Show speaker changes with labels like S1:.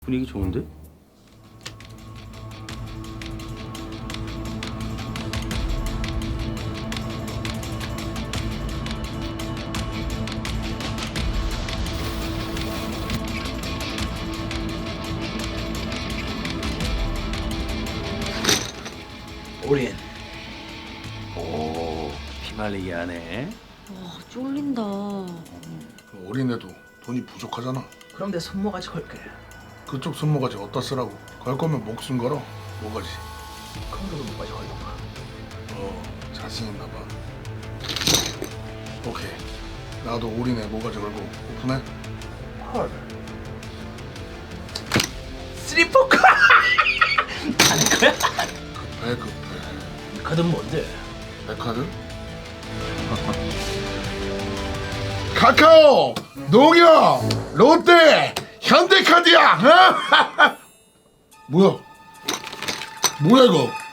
S1: 분위기 좋은데?
S2: 올인.
S1: 오, 피말리기 하네.
S3: 와, 쫄린다.
S4: 올인해도 돈이 부족하잖아.
S2: 그럼 내 손모가지 걸게.
S4: 그쪽 손모가지 어디다 쓰라고? 걸 거면 목숨 걸어. 뭐가지?
S2: 큰 손모가지 걸던가.
S4: 자신 있나 봐. 오케이. 나도 올인해 모가지 걸고 오픈해.
S2: 헐. 쓰리포크. 하는 거야?
S4: 급해 급해.
S2: 이 카드는 뭔데?
S4: 백카드? 카카오, 농협, 롯데, 현대카드야. 어? 뭐야? 뭐야 이거?